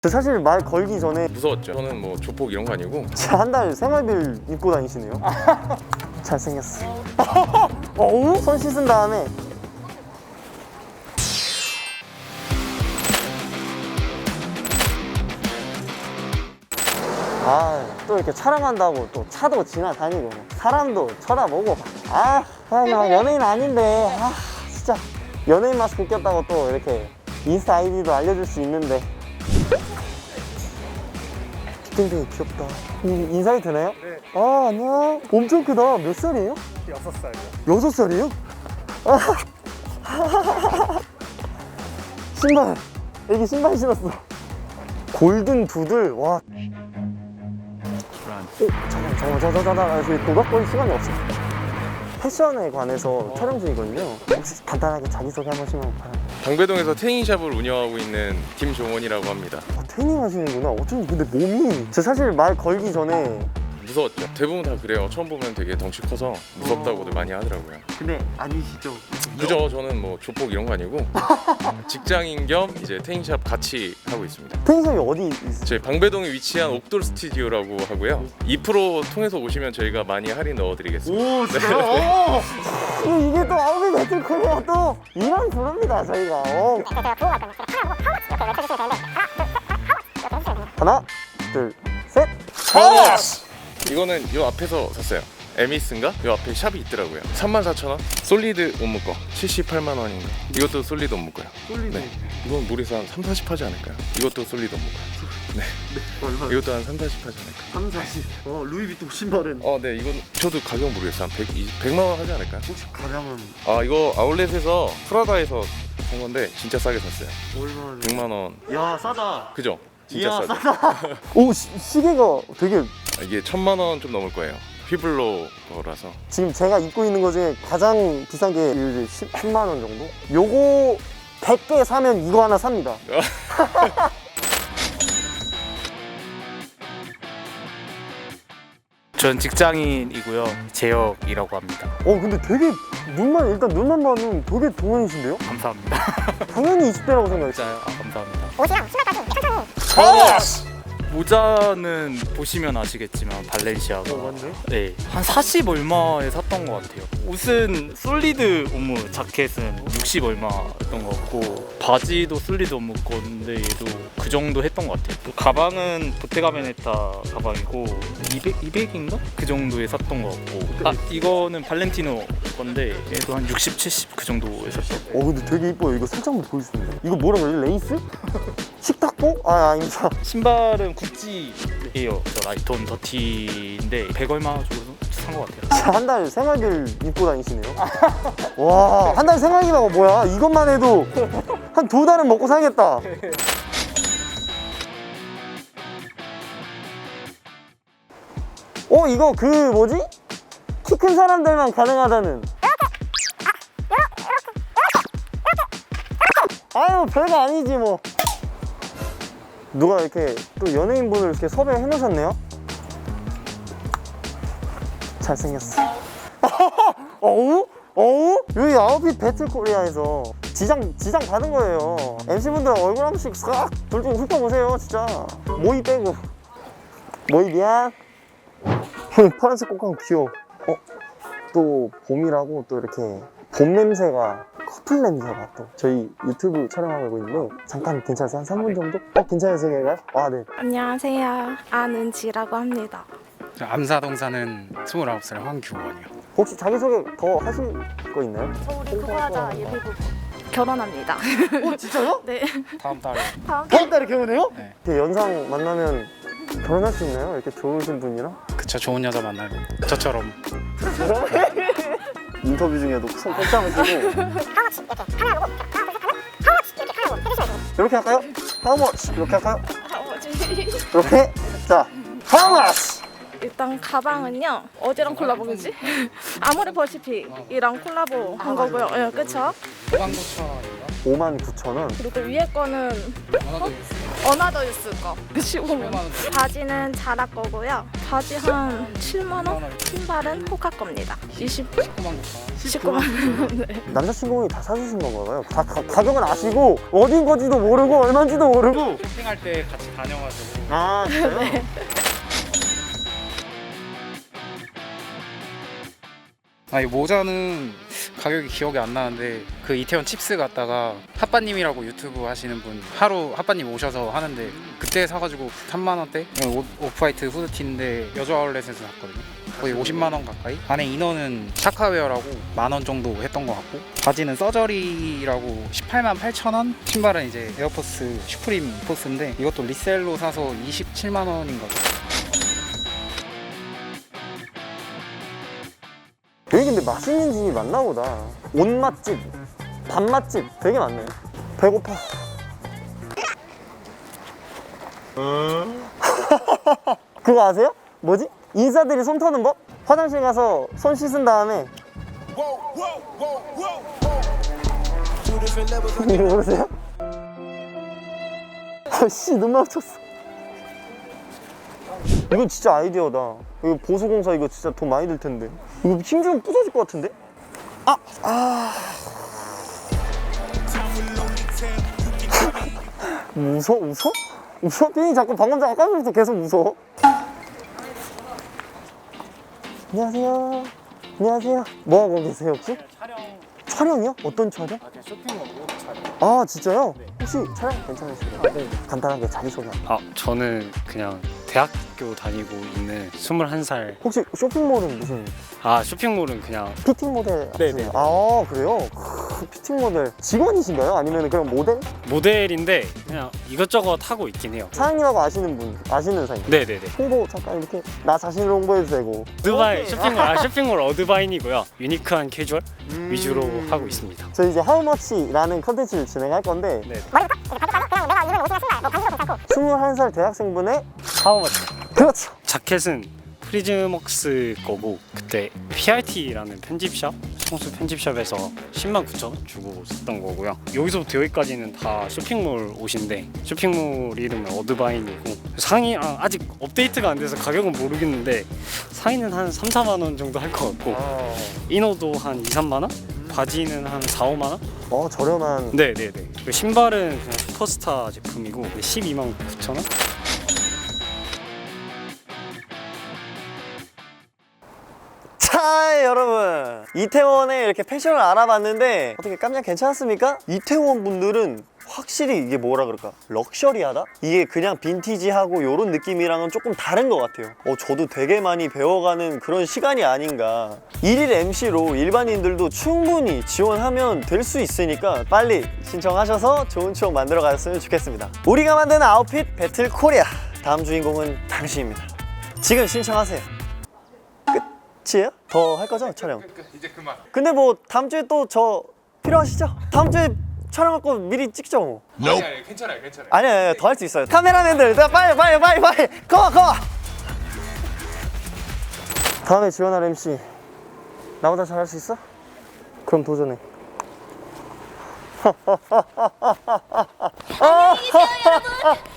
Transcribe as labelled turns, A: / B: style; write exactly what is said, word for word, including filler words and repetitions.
A: 사실 말 걸기 전에
B: 무서웠죠. 저는 뭐 조폭 이런 거 아니고
A: 한 달 생활비를 입고 다니시네요. 잘생겼어. 어우? 손 씻은 다음에 아, 또 이렇게 촬영한다고 또 차도 지나다니고 사람도 쳐다보고 아, 아, 나 연예인 아닌데 아, 진짜 연예인 마스크 꼈다고 또 이렇게 인스타 아이디도 알려줄 수 있는데 땡땡이 귀엽다. 인, 인사이 되나요?
C: 네.
A: 아, 안녕. 엄청 크다. 몇 살이에요?
C: 여섯 살이요.
A: 여섯 살이에요? 아. 신발. 애기 신발 신었어. 골든 푸들. 와. 오, 잠깐만, 잠깐만, 잠깐만, 잠깐만. 저희 도박거리 시간이 없어. 패션에 관해서 어. 촬영 중이거든요. 혹시 간단하게 자기소개 한 번씩만 바랍니다.
B: 방배동에서 태닝샵을 운영하고 있는 김종원이라고 합니다.
A: 아, 태닝 하시는구나. 어쩐지 근데 몸이 저 사실 말 걸기 전에
B: 무서웠죠. 대부분 다 그래요. 처음 보면 되게 덩치 커서 무섭다고들 많이 하더라고요.
A: 근데 아니시죠?
B: 그죠? 저는 뭐 조폭 이런 거 아니고 직장인 겸 이제 태닝샵 같이 하고 있습니다.
A: 태닝샵이 어디 있어요?
B: 저희 방배동에 위치한 옥돌 스튜디오라고 하고요. 이 퍼센트 통해서 오시면 저희가 많이 할인 넣어드리겠습니다.
A: 오, 진짜요? 네. 이게 또 아홉이 매트 코리아 또 이런 부릅니다 저희가. 어. 하나, 둘, 셋.
B: 아! 이거는 요 앞에서 샀어요. 에미스인가? 요 앞에 샵이 있더라고요. 삼만 사천 원? 솔리드 옷 묶어 칠십팔만 원인가? 이것도 솔리드 옷 묶어요.
A: 솔리드.
B: 네. 이건 무리해서 한 삼, 사십 하지 않을까요? 이것도 솔리드 옷 묶어요. 네.
A: 얼마?
B: 이것도 한 삼, 사십 하지 않을까요?
A: 삼, 사십. 어, 루이비통 신발은
B: 어, 네. 이건 저도 가격 모르겠어요. 한 백, 백만 원 하지 않을까요?
A: 혹시 가량은
B: 아, 이거 아울렛에서 프라다에서 산 건데 진짜 싸게 샀어요.
A: 얼마?
B: 백만 원.
A: 야, 싸다.
B: 그죠? 진짜
A: 이야,
B: 싸죠?
A: 싸다. 오, 시, 시계가 되게
B: 이게 천만 원 좀 넘을 거예요. 휘블로 거라서.
A: 지금 제가 입고 있는 거 중에 가장 비싼 게 이제 십만 원 정도? 요거 백 개 사면 이거 하나 삽니다.
C: 전 직장인이고요. 재혁이라고 합니다.
A: 어, 근데 되게 눈만 일단 눈만 봐도 되게 동안이신데요?
C: 감사합니다.
A: 당연히 이십 대라고 생각했어요.
C: 진짜요? 아, 감사합니다.
D: 옷이랑 신발까지 천천히.
C: 모자는 보시면 아시겠지만 발렌시아가
A: 어, 맞네.
C: 네, 한 사십 얼마에 샀던 것 같아요. 옷은 솔리드 오무 자켓은 육십 얼마였던 것 같고 바지도 솔리드 오무 건데 얘도 그 정도 했던 것 같아요. 또 가방은 보테가베네타 가방이고 이백, 이백인가? 그 정도에 샀던 것 같고 아 이거는 발렌티노 건데 얘도 한 육십, 칠십 그 정도에 샀던 것 같아요.
A: 어, 근데 되게 이뻐요. 이거 살짝 한번 보여주세요. 이거 뭐라고 해요? 레이스? 식탁보? 아, 아닙니다.
C: 신발은 구찌예요. 저 라이톤 더티인데 백 얼마 정도 산 것 같아요.
A: 한 달 생활비를 입고 다니시네요. 와, 한 달 생활비가 뭐야? 이것만 해도 한 두 달은 먹고 살겠다. 어, 이거 그 뭐지? 키 큰 사람들만 가능하다는. 아유, 별거 아니지 뭐. 누가 이렇게 또 연예인분을 이렇게 섭외해 놓으셨네요. 잘생겼어. 어우? 어우? 여기 아웃핏 배틀 코리아에서 지장, 지장 받은 거예요. 엠씨분들 얼굴 한 번씩 싹 둘 중 훑어보세요, 진짜. 모이 빼고. 모이 미안. 파란색 꽃감 귀여워. 어? 또 봄이라고 또 이렇게 봄 냄새가 커플 냄새가 또 저희 유튜브 촬영하고 있는데 잠깐 괜찮으세요? 한 삼 분 정도? 어? 괜찮으세요? 아, 네.
E: 안녕하세요. 안은지라고 합니다.
F: 암사동 사는 스물아홉 살 황규원이요.
A: 혹시 자기소개 더 하실 거 있나요?
E: 저 우리 그거 하자. 예비부부. 결혼합니다.
A: 어, 진짜요?
E: 네.
F: 다음 달에
E: 다음
A: 다음 달에 결혼해요?
F: 네.
A: 이렇게 연상 만나면 결혼할 수 있나요? 이렇게 좋으신 분이랑?
F: 그쵸 좋은 여자 만나요. 저처럼.
A: 인터뷰 중에도 손 꼼짝을 쓰고 이렇게 할까요? How much? 이렇게 할까요? 이렇게? 자, How much?
E: 일단 가방은요. 어디랑 콜라보겠지? 아모레 퍼시픽이랑 콜라보 한 거고요. 예, 그쵸?
F: 오만 구천 원인가?
A: 오만 구천 원.
E: 그리고 위에 거는 어? 어나더 유스 거 십오만 원. 바지는 자라 거고요. 바지 한 칠만 원. 신발은 호카 겁니다. 이십구만 원. 십구만 원. 네.
A: 남자친구분이 다 사주신 건가요? 다 가, 가격은 아시고 어딘 건지도 모르고 얼마인지도 모르고.
F: 쇼핑할 때 같이 다녀가지고
A: 아 진짜요?
E: 네.
F: 아, 이 모자는 가격이 기억이 안 나는데 그 이태원 칩스 갔다가 핫바님이라고 유튜브 하시는 분 하루 핫바님 오셔서 하는데 그때 사가지고 삼만 원대 오- 오프화이트 후드티인데 여자 아울렛에서 샀거든요. 거의 오십만 원 가까이. 안에 이너는 샤카웨어라고 만 원 정도 했던 것 같고 바지는 서저리라고 십팔만 팔천 원. 신발은 이제 에어포스 슈프림 포스인데 이것도 리셀로 사서 이십칠만 원인 거죠.
A: 여기 근데 맛있는 집이 많나 보다. 옷 맛집, 밥 맛집 되게 많네. 배고파. 그거 아세요? 뭐지? 인싸들이 손 터는 법? 화장실 가서 손 씻은 다음에 이거 모르세요? 아씨 눈 마주쳤어. 이건 진짜 아이디어다. 이거 보수공사 이거 진짜 돈 많이 들 텐데. 이거 힘주면 부서질 것 같은데? 아! 아. 웃어? 웃어? 웃어? 삐이 자꾸 방금 전 아까부터 계속 웃어. 안녕하세요. 안녕하세요. 뭐 하고 계세요 혹시?
F: 촬영.
A: 촬영이요? 어떤 촬영?
F: 아, 그냥 쇼핑몰 옷 촬영.
A: 아 진짜요? 혹시 촬영 괜찮으실까요? 네. 간단하게 자기소개.
G: 아, 저는 그냥 대학교 다니고 있는 스물한 살.
A: 혹시 쇼핑몰은 무슨
G: 아, 쇼핑몰은 그냥
A: 피팅 모델
G: 네네.
A: 하시나요? 아 그래요? 크, 피팅 모델 직원이신가요? 아니면 그냥 모델?
G: 모델인데 그냥 이것저것 하고 있긴 해요.
A: 사장님하고 아시는 분, 아시는 사이.
G: 네네네.
A: 홍보 잠깐 이렇게 나 자신을 홍보해도 되고.
G: 어드바인,
A: 오케이.
G: 쇼핑몰, 아, 쇼핑몰 어드바인이고요. 유니크한 캐주얼
A: 음.
G: 위주로 하고 있습니다.
A: 저희 이제 하우머치라는 컨텐츠를 진행할 건데
G: 네.
A: 스물한 살 대학생분의
G: 하우머치.
A: 그렇죠.
G: 자켓은 프리즈먹스 거고 그때 피알티라는 편집샵, 성수 편집샵에서 십만 구천 원 주고 샀던 거고요. 여기서부터 여기까지는 다 쇼핑몰 옷인데 쇼핑몰 이름은 어드바인이고 상의 아, 아직 업데이트가 안 돼서 가격은 모르겠는데 상의는 한 삼, 사만 원 정도 할 것 같고
A: 아,
G: 이너도 한 이, 삼만 원? 바지는 한 사, 오만 원?
A: 어 저렴한.
G: 네네네. 그리고 신발은 그냥 슈퍼스타 제품이고 십이만 구천 원?
A: 자 여러분 이태원에 이렇게 패션을 알아봤는데 어떻게 깜짝 괜찮았습니까? 이태원 분들은 확실히 이게 뭐라 그럴까 럭셔리하다? 이게 그냥 빈티지하고 요런 느낌이랑은 조금 다른 것 같아요. 어, 저도 되게 많이 배워가는 그런 시간이 아닌가. 일일 엠시로 일반인들도 충분히 지원하면 될 수 있으니까 빨리 신청하셔서 좋은 추억 만들어 가셨으면 좋겠습니다. 우리가 만드는 아웃핏 배틀 코리아, 다음 주인공은 당신입니다. 지금 신청하세요. 끝이에요? 더 할 거죠 촬영?
B: 이제 그만.
A: 근데 뭐 다음 주에 또 저 필요하시죠? 다음 주에 촬영할 거 미리 찍죠 뭐.
B: 아니 아니 괜찮아요 괜찮아요.
A: 아니 아니 더 할 수 있어요. 카메라맨들 자, 빨리 빨리 빨리 빨리 컴온 컴온. 다음에 지원할 엠씨 나보다 잘할 수 있어? 그럼 도전해. 안녕히 계세요 여러분.